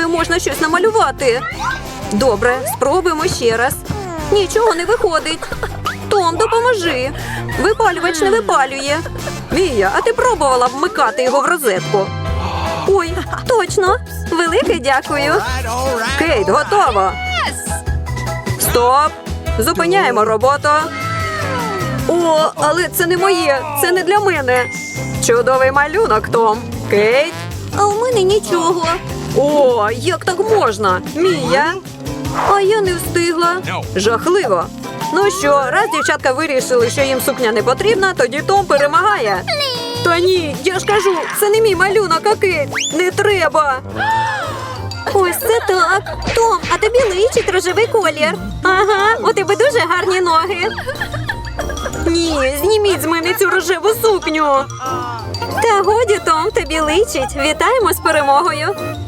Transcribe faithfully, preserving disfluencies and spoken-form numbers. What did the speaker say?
якою можна щось намалювати. Добре, спробуємо ще раз. Нічого не виходить. Том, допоможи. Випалювач не випалює. Мія, а ти пробувала вмикати його в розетку? Ой, точно. Велике дякую. Кейт, готово. Стоп. Зупиняємо роботу. О, але це не моє. Це не для мене. Чудовий малюнок, Том. Кейт. А у мене нічого. О, як так можна? Мія. А я не встигла. Жахливо. Ну що, раз дівчатка вирішили, що їм сукня не потрібна, тоді Том перемагає. Та ні, я ж кажу, це не мій малюнок, а Кейт. Не треба. Ось це так. Том, а тобі личить рожевий колір. Ага, у тебе дуже гарні ноги. Ні, зніміть з мене цю рожеву сукню. Та годі, Том, тобі личить. Вітаємо з перемогою.